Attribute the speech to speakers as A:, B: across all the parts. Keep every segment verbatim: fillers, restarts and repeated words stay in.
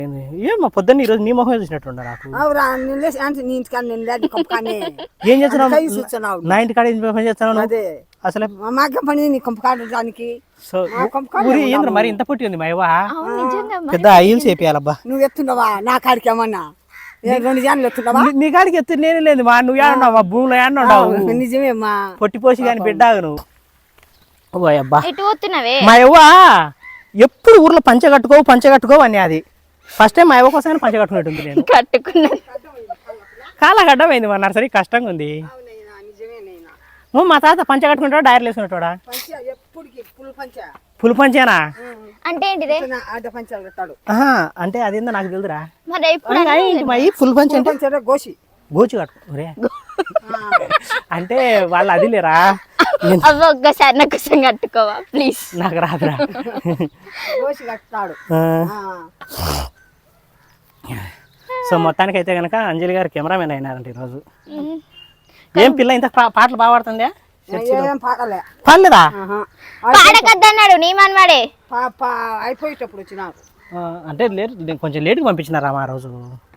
A: ఏమో పొద్దున్న ఈరోజు నీ మొహం చూసినట్టుండ నాకు. ఏం చేస్తున్నావు నా ఇంటి కాడ పని చేస్తున్నావు అసలు
B: పని నీ కంపు కాడడానికి
A: ఏంద్ర మరి ఇంత పుట్టి ఉంది మా ఇవ్వ పెద్ద అయ్యలు చేపియాలబ్బా.
B: నువ్వు ఎత్తుండవా నా కాడికి ఏమన్నా రెండు జాన్లు ఎత్తుండవా?
A: నీ కాడికి ఎత్తు నేనే లేదు మా నువ్వు ఏడున్నావు మా భూమిలో ఏడున్నావు
B: నిజమేమ్మా
A: పొట్టిపోసి కానీ బిడ్డావు నువ్వు. అబ్బా మా ఇవ్వ ఎప్పుడు ఊర్లో పంచ కట్టుకో పంచ కట్టుకో అని అది ఫస్ట్ టైం మా ఇవ్వ కోసం పంచ కట్టుకున్నట్టుంది. నేను
C: కట్టుకున్నా
A: కాలా గడ్డమైంది మా నర్సరీ కష్టంగా ఉంది. మా తాత పంచ కట్టుకుంటాడు డైర్లు వేసుకున్నట్టుడా ఫుల్ పంచేనా
C: అంటే ఏంటిది?
A: అంటే అదేందో నాకు తెలుదురా.
C: మరి
A: ఫుల్ పంచ అంటే
B: గోసి
A: గోచి కట్టుకోరే అంటే వాళ్ళు అది లేరా.
C: ఒక్కసారి నా కోసం కట్టుకోవా ప్లీజ్.
A: నాకు రాదురా. సో మొత్తానికి అయితే కనుక అంజలి గారు కెమెరామెన్ అయినారంట ఈరోజు. ఏం పిల్ల ఇంత పాటలు బాగా పాడుతుందా? పాడలేదా?
C: పాడకద్దన్నాడు నీ మనవాడే
B: అయిపోయేటప్పుడు వచ్చినారు
A: అంటే లేట్ కొంచెం లేట్గా పంపించినారా ఆ రోజు.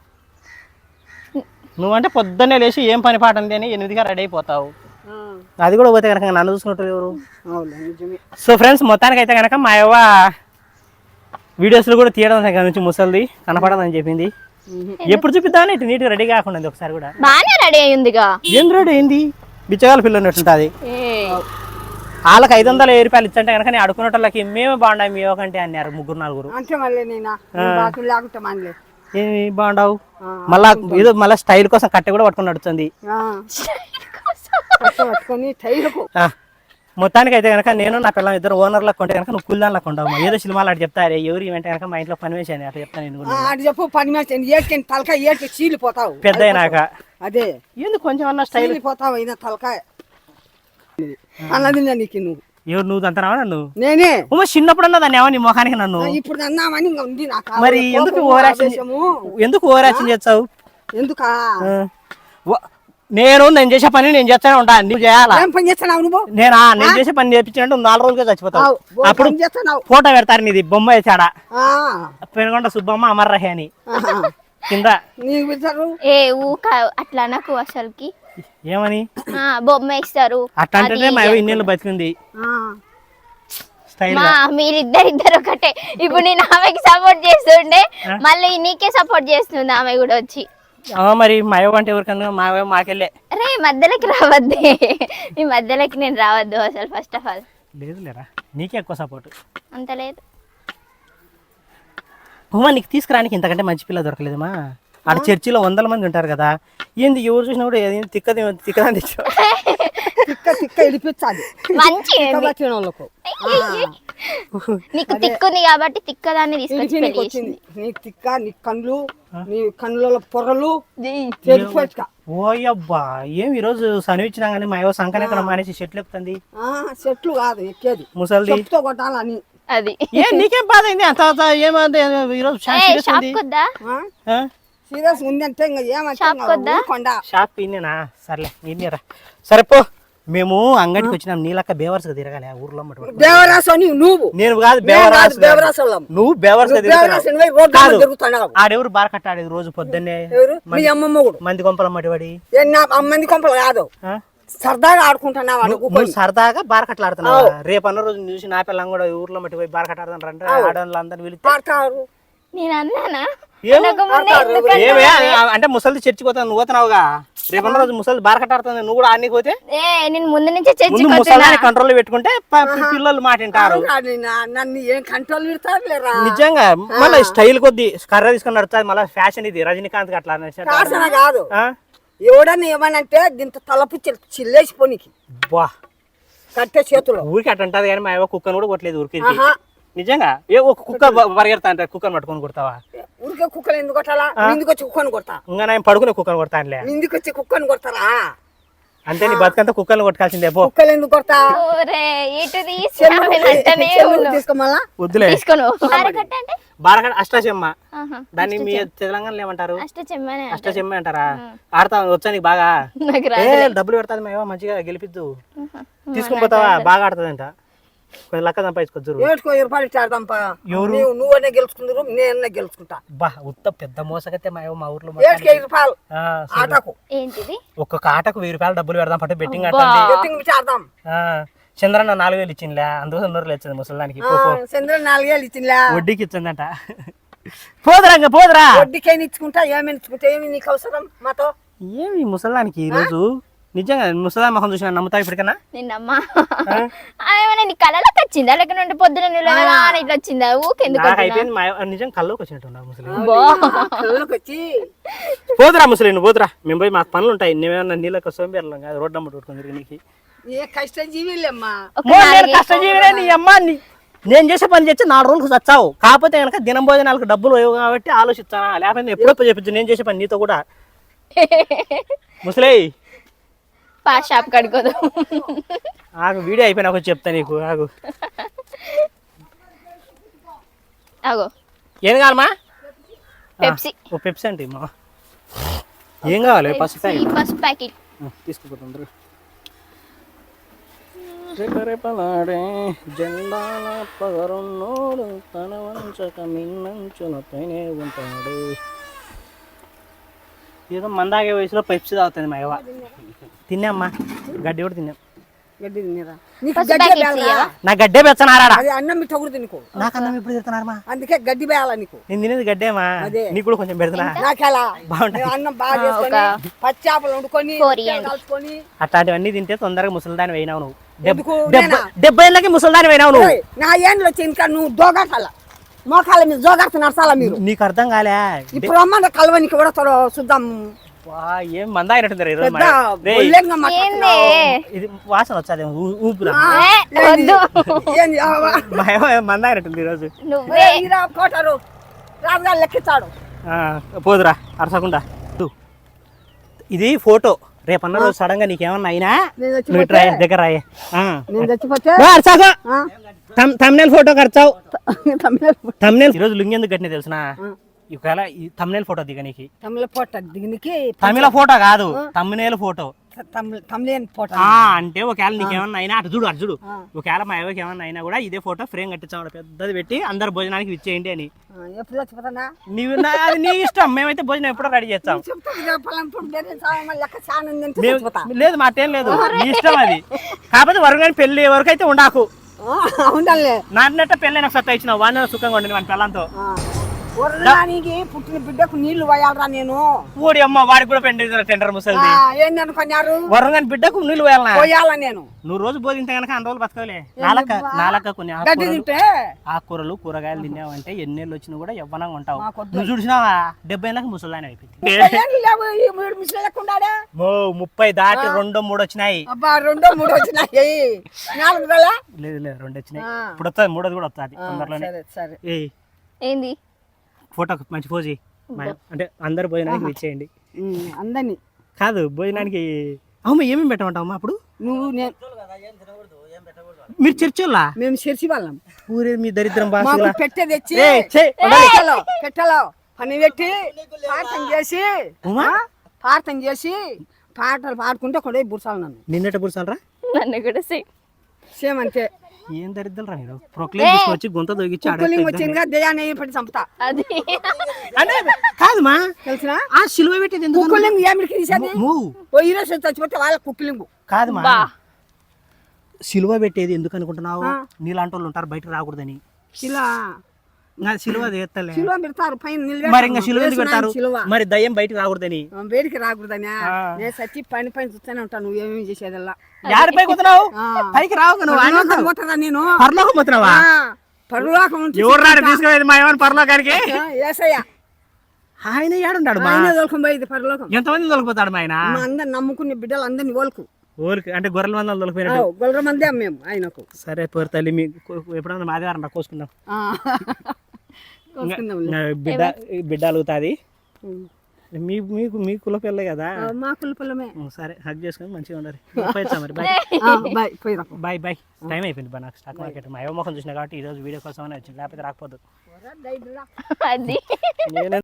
A: నువ్వంటే పొద్దున్నే లేచి ఏం పని పాట ఉంది అని ఎనిమిదిగా రెడీ అయిపోతావు. అది కూడా పోతే కనుక నన్ను చూసుకుంటారు ఎవరు. సో ఫ్రెండ్స్ మొత్తానికి అయితే కనుక మా యవ్వ వీడియోస్లో కూడా తీయడం దగ్గర నుంచి ముసలిది కనపడదని చెప్పింది. ఎప్పుడు చూపిద్దామని ఇటు నీట్గా రెడీ కాకుండా ఒకసారి కూడా
C: బాగానే రెడీ అయ్యిందిగా.
A: ఏం రెడీ అయింది బిచ్చగాల పిల్ల ఉన్నట్టుంటుంది. వాళ్ళకి ఐదు వందల ఏ రూపాయలు ఇచ్చంటే కనుక నేను అడుకున్నట్లకి మేమే బాగుండాయి మీ కంటే అన్నారు ముగ్గురు నలుగురు. ఏమి బాగుండవు మళ్ళా ఏదో మళ్ళీ స్టైల్ కోసం కట్టె కూడా పట్టుకుని నడుస్తుంది. మొత్తానికి అయితే కనుక నేను నా పిల్లలు ఇద్దరు ఓనర్లకు కొంటే కనుక నువ్వు కుల్దాన్లకు ఉండవు. ఏదో సినిమాలు అటు చెప్తారే ఎవరు ఏమంటే కనుక మా ఇంట్లో పని వేసాను అట్లా చెప్తాను నేను
B: చెప్పు పని వేసాను తలకాయ చీలిపోతావు
A: పెద్ద అయినాక.
B: అదే
A: ఎందుకు కొంచెం అన్న స్టైల్
B: పోతావు అయినా తలకాయ అన్నది నీకు నువ్వు
A: ఎవరు నువ్వు అంటున్నావా నన్ను?
B: నేనే
A: ఉమా చిన్నప్పుడు అన్నది అన్నావా నీ మొఖానికి నన్ను?
B: ఇప్పుడు అన్నామని ఉంది నాకు.
A: మరి ఎందుకు ఓవరాక్షన్ ఎందుకు ఓవరాక్షన్ చేస్తావు?
B: ఎందుకా
A: నేను నేను చేసే పని నేను చేస్తానే ఉంటా. నువ్వు చేయాలా?
B: పని చేస్తున్నావు నువ్వు?
A: నేనా నేను చేసే పని చేపించినట్టు నాలుగు రోజులుగా చచ్చిపోతావు. అప్పుడు ఫోటో పెడతారు నీది బొమ్మ వేసాడా పెనుగొండ సుబ్బమ్మ అమర్రహే అని కింద.
C: ఏ ఊక అట్లా నాకు అసలుకి
A: ఏమని
C: బొమ్మ ఇస్తారు
A: అట్లా అంటే మా ఇన్నేళ్ళు బతికింది.
C: మీరిద్దరిద్దరు ఒకటే. ఇప్పుడు నేను ఆమెకి సపోర్ట్ చేస్తుండే మళ్ళీ నీకే సపోర్ట్ చేస్తుంది ఆమె కూడా వచ్చి.
A: మరి మా అవ్వ అంటే ఎవరికన్నా మా అవ్వ మాకెళ్ళే.
C: అరే మధ్యలోకి రావద్దే ఈ మధ్యలోకి నేను రావద్దు అసలు. ఫస్ట్ ఆఫ్ ఆల్
A: లేదు లేరా నీకే ఎక్కువ సపోర్ట్.
C: అంత లేదు
A: ఉమా నీకు తీసుకురానికి ఇంతకంటే మంచి పిల్ల దొరకలేదమ్మా. ఆడ చర్చిలో వందల మంది ఉంటారు కదా ఏంది ఎవరు చూసినా కూడా తిక్కది తిక్కదని
B: తిక్క తిక్క ఇడిపించాలి
C: మంచి నీకు తిక్కుంది కాబట్టి తిక్కదాన్ని తీసుకొచ్చి
B: నీ తిక్క నీ కళ్ళు నీ కళ్ళ పొరలు
A: ఓయబ్బా ఏం ఈరోజు సనివిచ్చినా కానీ మా ఏవో సంకన ఎక్కడ మానేసి చెట్లు ఎక్కుతుంది.
B: చెట్లు కాదు ఎక్కేది
A: ముసలిది
B: కొట్టాలని.
C: అది
A: ఏ నీకేం బాధ అయింది అంత ఏమంది ఈరోజు
B: సీరియస్ ఉందంటే
A: షాప్ ఇన్నేనా? సర్లే ఇన్నేరా సరే పో. మేము అంగడికి వచ్చినాం నీలక్క బేవర్స్ గా తిరగాలి ఆ ఊర్లో.
B: నువ్వు
A: నేను కాదు బేవరాస్ నువ్వు బేవర్స్ ఆడెవరు బార్ కట్టాడేది రోజు పొద్దున్నే మంది కొంపల మటివాడి
B: మంది కొంపలు కాదు సరదాగా ఆడుకుంటున్నావు.
A: సరదాగా బార్ కట్టలు ఆడుతున్నావు. రేపు అన్న రోజు చూసి నా పిల్లం కూడా ఊర్లో మట్టి పోయి బార్ కట్ట ఆడుతుంటారంటే ఆడవాళ్ళు అందరిని పిలిచి
C: నేను అన్నానా
A: ఏమే అంటే ముసలి చర్చికి పోతాను నువ్వు పోతున్నావుగా. రేపు అన్న రోజు ముసలి బార్ కట్ట ఆడుతుంది నువ్వు కూడా ఆడికి పోతే
C: నేను ముందు నుంచి
A: ముసలి కంట్రోల్ పెట్టుకుంటే పిల్లలు మాట వింటారు.
B: నన్ను ఏం కంట్రోల్ పెడతారు
A: నిజంగా మళ్ళీ స్టైల్ కొద్ది కర్ర తీసుకొని నడుస్తుంది. మళ్ళీ ఫ్యాషన్ ఇది రజనీకాంత్ అట్లా
B: కాదు. ఎవడన్నా ఏమనంటే దీంతో తలపు చిల్లేసిపోనికి
A: బా
B: కట్టే చేతులు
A: ఊరికి అట్ట అంటది కానీ మా ఏవో కుక్కను కూడా కొట్టలేదు ఊరికి. నిజంగా ఏ ఒక కుక్క పరిగెడతా అంటే కుక్కను పట్టుకొని కొడతావా?
B: ఊరికే కుక్కలు ఎందుకు కొట్టాలా? ఇందుకు వచ్చి కుక్కను కొడతా.
A: ఇంకా నేను పడుకునే కుక్కను కొడతానులే.
B: ఇందుకు వచ్చి కుక్కను కొడతారా?
A: అంటే నీ బతుకంతా కుక్కలు కొట్టుకాల్సిందే.
B: కుక్కలు ఎందుకు కొడతా?
A: వద్దులే బారకట్ట అష్టచెమ్మ దాన్ని మీ తెలంగాణలో ఏమంటారు? అష్టచెమ్మ అంటారా? ఆడతా వచ్చా నీకు బాగా? డబ్బులు పెడతాది మేమో మంచిగా గెలిపిద్దు తీసుకుని పోతావా? బాగా ఆడుతుందంట. కొంచెం లక్క సంపాదించుకోవచ్చు
B: ఏడుకో రూపాయలు ఇచ్చాడదాంపా
A: ఎవరు?
B: నువ్వు నువ్వనే గెలుచుకుందరు నేనే గెలుచుకుంటా
A: బా ఉత్త పెద్ద మోసకైతే మా మా ఊర్లో
B: ఏడుకి ఐదు రూపాయలు
A: ఆ,
B: ఆటకు
C: ఏంటిది
A: ఒక్కొక్క ఆటకు వెయ్యి రూపాయలు డబ్బులు పెడదాం పట్టు బెట్టింగ్ అంటే
B: బెట్టింగ్ ఇచ్చాడదాం
A: చంద్రన్న నాలుగు వేలు ఇచ్చిందిలే అందుకోసం నూరు లేచింది ముసలానికి
B: చంద్ర నాలుగేళ్ళు ఇచ్చిందిలే
A: వడ్డీకి ఇచ్చిందంట పోదురా ఇంకా పోదురా
B: వడ్డీకైనా ఇచ్చుకుంటా ఏమైనా ఇచ్చుకుంటా ఏమి నీకు అవసరం మాతో
A: ఏమి ముసలానికి ఈ రోజు నిజంగా ముసలా మొహం చూసిన నమ్ముతావు ఇప్పటికన్నా
C: నిన్నమ్మా ఏమైనా నీ కళలోకి వచ్చిందా లేక నుండి పొద్దున నిలవగా ఇట్లా వచ్చిందా ఊకెందుకు
A: నాకు అయిపోయింది మా నిజం కల్లోకి వచ్చినట్టు ఉన్నావు ముసలి
B: కళ్ళకి వచ్చి
A: పోదురా ముసలి నువ్వు పోదురా మేము పోయి మాకు పనులు ఉంటాయి నువ్వేమన్నా నీళ్ళకి సోంబేర్లం కాదు రోడ్డు అమ్మ కొట్టుకుని తిరిగి నీకు
B: ఏ కష్టజీవిలేమ్మా
A: కష్టజీవిరే నీ అమ్మ నీ- నేను చేసే పని చేసి నాలుగు రోజులకు చచ్చావు కాకపోతే కనుక దినం భోజనాలకు డబ్బులు లేవు కాబట్టి ఆలోచిస్తానా లేకపోతే నేను ఎప్పుడో చెప్పించు నేను చేసే పని నీతో కూడా ముసలి
C: పా షాప్ కడుకోదు
A: ఆగు వీడియో అయిపోయినా ఒక చెప్తా నీకు ఆగు
C: అగో
A: ఏం కావాలమ్మా
C: పెప్సీ
A: ఓ పెప్సీ అంటే మా ఏం కావాలి ఫస్ట్ ప్యాకెట్
C: ఫస్ట్ ప్యాకెట్
A: తీసుకుపోతుండ్రు రేపరేపలాడే జెండాల పగరున్నోడు తన వంచక మిన్నంచున పైనే ఉంటాడు ఏదో మందాగే వయసులో పెప్సీ తాగుతుంది మా యవ్వ తిన్నామ్మా గడ్డి కూడా తిన్నాం
B: గడ్డి తినేరా నీకు
C: ఫస్ట్
B: గడ్డి
C: ప్యాకెట్
B: వేయాలా?
C: ఇయ్యవా
A: నా గడ్డే పెచ్చనారాడా
B: అది అన్నం మీ తగుడు నీకు
A: నాకు అన్నం ఇప్పుడు తిడుతున్నారమ్మా
B: అందుకే గడ్డి వేయాలా నీకు
A: నేను తినేది గడ్డేమా
B: అదే.
A: నీకు కూడా కొంచెం పెడుతున్నా
B: నాకెలా
A: బాగుంటది.
B: నేను అన్నం బాగా చేసుకొని పచ్చి చేపలు వండుకొని
C: Four ఇయ్యండి.
B: కలుపుకొని
A: అట్లాంటివన్నీ తింటే తొందరగా ముసలిదాని అయినావు నువ్వు
B: ఎందుకు?
A: డెబ్బై
B: నేనా?
A: డెబ్బై ఏళ్ళకి ముసలిదాని అయినావు నువ్వు
B: ఓయ్, నా ఏండ్లు వచ్చి ఇంకా నువ్వు దోగాటాల మోకాల మీద జోగాడుతు నడసాలా మీరు
A: నీకు అర్థం కాలే
B: ఇప్పుడు అమ్మ కలవనికి కూడా త్వర చూద్దాం
A: వా, ఏం మంద అయినట్టుంది ఈరోజు
B: పెద్ద
A: మా- రేయ్,
B: బొల్లెంగా
C: ఏంది
B: మాట్లాడుతున్నావు.
A: ఇది వాసన వచ్చాది ఊపిరా
C: ఏ, వద్దు
B: ఏంది? ఆవా.
A: మా ఏమో మంద అయినట్టుంది ఈరోజు
C: నువ్వే
B: ఏ, ఈరా కోటారు రాజుగారు లెక్కిస్తాడు
A: ఆ, పోదురా అరసకుండా తు. ఇది ఫోటో రేపన్న రోజు సడన్ గా నీకేమన్నా అయినా
B: నేను
A: నువ్వు
B: చచ్చిపోతే
A: ఇట్రా దగ్గర రాయే
B: నేను చచ్చిపోతే
A: అరసాకు
B: ఆ?
A: తమ్నేల్ ఫోటో ఖర్చావు
B: తమిళ
A: తమ్నేల్ ఈరోజు లుంగి ఎందుకు కట్టిన తెలుసునా ఒకవేళ ఈ తమ్నేల్ ఫోటో దిగ నీకు
B: తమిళ పోట దిగినికి
A: తమిళ ఫోటో కాదు తమ్నేల్ ఫోటో
B: తమిళ తమిళన్ పోట
A: ఆ అంటే ఒకవేళ నీకేమన్నా అయినా అటు చూడు అటు చూడు ఒకవేళ మా ఎవరికి ఏమన్నా అయినా కూడా ఇదే ఫోటో ఫ్రేమ్ కట్టించాం పెద్దది పెట్టి అందరు భోజనానికి ఇచ్చేయండి అని
B: ఎప్పుడు చచ్చిపోతానా
A: నీవు నా- అది నీ ఇష్టం మేమైతే భోజనం ఎప్పుడో రెడీ చేస్తాం
B: చెప్తా పలాంటి బేరే సామాన్ లెక్క చాలా ఉంది అంటే
A: మేము-
B: చచ్చిపోతా.
A: లేదు మాటేం లేదు నీ ఇష్టం అది కాకపోతే వరకు కానీ పెళ్లి వరకైతే ఉండాకు
B: ఆ, ఉండాలే
A: నాన్నట్ట పెళ్ళైన సత్తా ఇచ్చిన వాడిన సుఖంగా ఉండండి మన పిల్లలతో
B: వరదానికి పుట్టిన బిడ్డకు నీళ్లు పోయాలరా నేను
A: ఊడి అమ్మ వాడికి కూడా పెండి టెండర్ ముసలిది
B: ఆ, ఏంది అనుకున్నారు
A: వరం కానీ బిడ్డకు నీళ్ళు పోయాలనా
B: పోయాల నేను
A: నువ్వు రోజు బోధింటే కనుక అన్ని రోజులు బతకలే నాలక నాలక కొన్ని
B: గడ్డి
A: ఆకుకూరలు
B: తింటే
A: ఆకుకూరలు కూరగాయలు తిన్నావంటే ఎన్నేళ్ళు వచ్చినా కూడా యవ్వనంగా ఉంటావు
B: మాకొద్దు.
A: నువ్వు చూసినావా డెబ్బై ఏళ్ళకి ముసలాని అయిపోయింది
B: ఏంది లేవు, ఈ మూడు మిషన్ లెక్క ఉండాడే
A: మో ముప్పై దాటి రెండో మూడు వచ్చినాయి
B: అబ్బా రెండో మూడు వచ్చినాయి నాలుగు వేల
A: లేదు లేదు రెండు వచ్చినాయి
B: ఆ.
A: ఇప్పుడు వస్తుంది మూడోది కూడా వస్తుంది తొందరలోనే
B: సరే సరే
A: ఏయ్
C: ఏంది
A: ఫోటో మంచి పోజీ అంటే అందరు భోజనానికి ఇచ్చేయండి
B: ఉమ్, అందరినీ
A: కాదు భోజనానికి అమ్మ ఏమేమి పెట్టమంటావు అప్పుడు
B: నువ్వు నేను
A: మీరు చర్చోళ్ళా
B: మేము చర్చి వాళ్ళం
A: ఊరే మీ దరిద్రం
B: మాకు
A: బాసులా
B: పెట్టే తెచ్చి
A: ఏయ్, ఛే, ఉండాలి.
B: పెట్టలో పెట్టలో పని పెట్టి ప్రార్థన చేసి
A: ఉమా?
B: ఆ, ప్రార్థన చేసి పాటలు పాడుకుంటే కూడా బుర్సాలు నన్ను
A: నిన్నట పురుసాలరా
C: నన్ను కూడా సేమ్
B: సేమ్ అంతే
A: ఏం దరిద్రం రా మీరు ప్రొక్లేమ్ తీసుకొచ్చి గుంత దొగిచ్చి ఆడ
B: కూలింగ్ వచ్చిందిగా దయాన్ని పడి చంపుతా
C: అది
A: అంటే కాదుమా
B: తెలిసినా
A: ఆ సిలువ పెట్టేది ఎందుకు
B: కుక్కలింగ్ ఏమిడికి తీసేది
A: మూవ్
B: ఓ ఈరోజు చచ్చిపోతే వాళ్ళ కుక్కలింగు
A: కాదుమా
C: బా
A: సిలువ పెట్టేది ఎందుకు అనుకుంటున్నావు నీలాంటి వాళ్ళు ఉంటారు బయటకు రాకూడదని
B: ఇలా
A: నా సిలువ తీస్తలే
B: సిలువ పెడతారు పైన
A: మరి ఇంకా సిలువ ఎందుకు
B: నిలబెడతారు.
A: పెడతారు
B: సిలువ
A: మరి దయ్యం బయటకు రాకూడదని
B: ఆ, వేడికి రాకూడదనా
A: ఆ.
B: నేను సచ్చి పైన పైన చూస్తూనే ఉంటాను నువ్వేమేమి చేసేదల్లా
A: యాడ పైకి వస్తున్నావు
B: ఆ.
A: పైకి రావు నువ్వు
B: పరలోకం పోతుందా నేను
A: పరలోకం పోతున్నావా
B: ఆ, పరలోకం నుంచి
A: ఎవరు రాడు తీసుకునేది మా ఏమని పరలోకానికి
B: ఆ, ఏసయ్య
A: ఆయన ఏడున్నాడు మా
B: ఆయన తోలుకొని పోయేది పరలోకం
A: ఎంతమంది తొలగిపోతాడు మా ఆయన
B: మా అందరు నమ్ముకునే బిడ్డలు అందరిని ఓలుకు
A: ఊరికి అంటే గొర్రెల మందలు తొలగిపోయినట్టు
B: గొల్లర మందే మేము ఆయనకు
A: సరే పోరు తల్లి మీ ఎప్పుడన్నా ఆదివారం రా కోసుకుందాం
B: ఆ. కోసుకుందాం.
A: ఇంకా బిడ్డ బిడ్డ అలుగుతుంది మీ మీకు మీ కుల పిల్ల కదా
B: ఆ, మా కులపల్లమే
A: సరే హక్ చేసుకొని మంచిగా ఉండాలి పోయొచ్చా మరి బాయ్
B: బాయ్ పోయిరా
A: బాయ్ బాయ్ టైం అయిపోయింది బా నాకు స్టాక్ మార్కెట్ మా ఏవో ముఖం చూసినా కాబట్టి ఈరోజు వీడియో కోసం వచ్చింది లేకపోతే రాకపోదు
C: అది
A: నేను